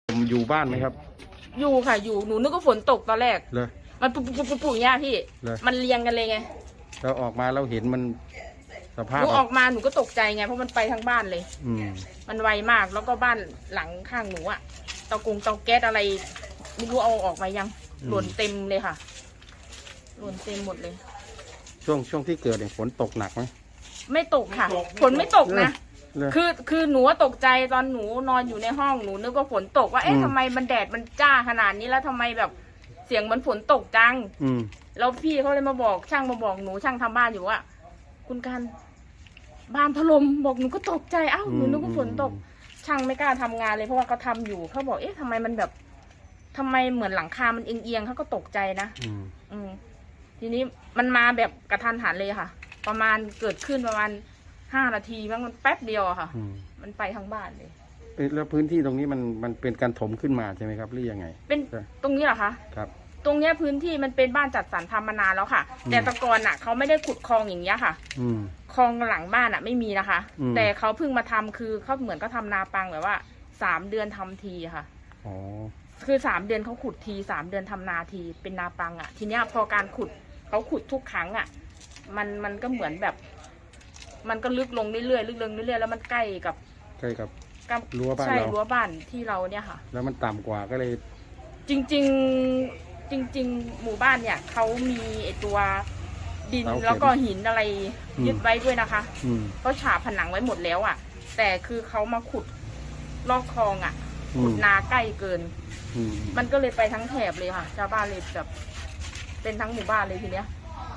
ผมอยู่บ้านไหมครับอยู่ค่ะอยู่หนูนึกว่าฝนตกตอนแรกเลยมันปุ๊อย่างเงี้ยพี่มันเรียงกันเลยไงเราออกมาเราเห็นมันสภาพหนูออกมาหนูก็ตกใจไงเพราะมันไปทั้งบ้านเลยมันไวมากแล้วก็บ้านหลังข้างหนูอะเตาแก๊สอะไรไม่รู้เอาออกมายังหล่นเต็มเลยค่ะหล่นเต็มหมดเลยช่วงที่เกิดเนี่ยฝนตกหนักไหมไม่ตกค่ะฝนไม่ตกนะคือหนูตกใจตอนหนูนอนอยู่ในห้องหนูนึกว่าฝนตกว่าเอ๊ะทำไมมันแดดมันจ้าขนาดนี้แล้วทำไมแบบเสียงเหมือนฝนตกจังแล้วพี่เขาเลยมาบอกช่างมาบอกหนูช่างทำบ้านอยู่ว่าคุณการบ้านถล่มบอกหนูก็ตกใจอ้าวหนูนึกว่าฝนตกช่างไม่กล้าทำงานเลยเพราะว่าเขาทำอยู่เขาบอกเอ๊ะทำไมมันแบบทำไมเหมือนหลังคามันเอียงเขาก็ตกใจนะทีนี้มันมาแบบกระทันหันเลยค่ะประมาณเกิดขึ้นประมาณ5 นาทีมันแป๊บเดียวอะค่ะมันไปทั้งบ้านเลยแล้วพื้นที่ตรงนี้มันเป็นการถมขึ้นมาใช่ไหมครับหรือยังไงเป็นตรงนี้เหรอคะครับตรงนี้พื้นที่มันเป็นบ้านจัดสรรทำมานานแล้วค่ะแต่ตะกอนอ่ะเขาไม่ได้ขุดคลองอย่างเงี้ยค่ะคลองหลังบ้านอ่ะไม่มีนะคะแต่เขาเพิ่งมาทำคือเขาเหมือนก็ทำนาปังแบบว่า3 เดือนทำทีค่ะคือ3 เดือนเขาขุดที3 เดือนทำนาทีเป็นนาปังอ่ะทีเนี้ยพอการขุดเขาขุดทุกครั้งอ่ะมันก็เหมือนแบบมันก็ลึกลงเรื่อยๆลึกลงเรื่อยๆแล้วมันใกล้กับรั้วบ้านเราใช่รั้วบ้านที่เราเนี่ยค่ะแล้วมันต่ำกว่าก็เลยจริงหมู่บ้านเนี่ยเขามีไอตัวดินแล้วก็หินอะไรยึดไว้ด้วยนะคะก็ฉาบผนังไว้หมดแล้วอ่ะแต่คือเขามาขุดลอกคลองอ่ะขุดนาใกล้เกินมันก็เลยไปทั้งแถบเลยค่ะชาวบ้านเลยแบบเป็นทั้งหมู่บ้านเลยทีเนี้ย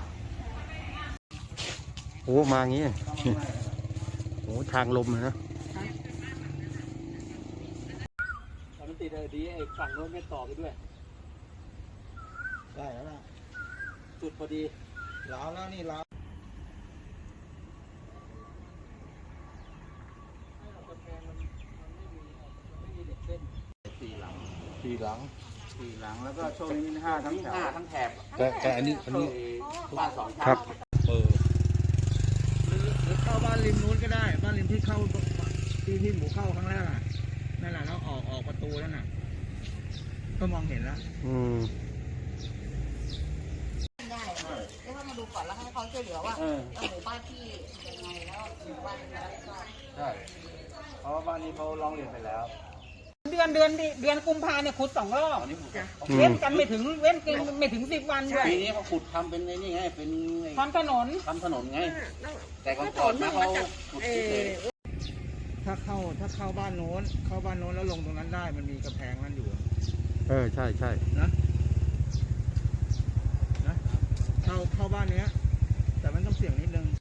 โอ้มางี้โอ้ทางลมเลยนะมันติดดีไอ้ฝั่งโน้นไม่ต่อไปด้วยได้แล้วล่ะจุดพอดีล้าวแล้วนี่ล้าว 4 หลังแล้วก็ช่วงนี้มี5 ทั้งแถบแต่อันนี้บ้าน2 ชั้นครับหรือเข้าบ้านริมนู้นก็ได้บ้านริมที่เข้าที่หมูเข้าครั้งแรกอ่ะนั่นแหละแล้วออกประตูนั่นน่ะก็มองเห็นแล้วได้เดี๋ยวเขามาดูก่อนแล้วให้เขาช่วยเหลือว่าหมู่บ้านที่ยังไงแล้วหมู่บ้านอะไรก็ใช่เพราะว่าบ้านนี้เขาร้องเรียนไปแล้วเดือนกุมภาเนี่ยขุด2 รอบเว้นกันไม่ถึง10 วันด้วยปีนี้เขาขุดทำเป็นนี่ไงเป็นทำถนนไงแต่ก่อนมาเขาขุดเลยถ้าเข้าบ้านโน้นแล้วลงตรงนั้นได้มันมีกระแพงนั่นอยู่ใช่นะเข้าบ้านเนี้ยแต่มันต้องเสี่ยงนิดนึง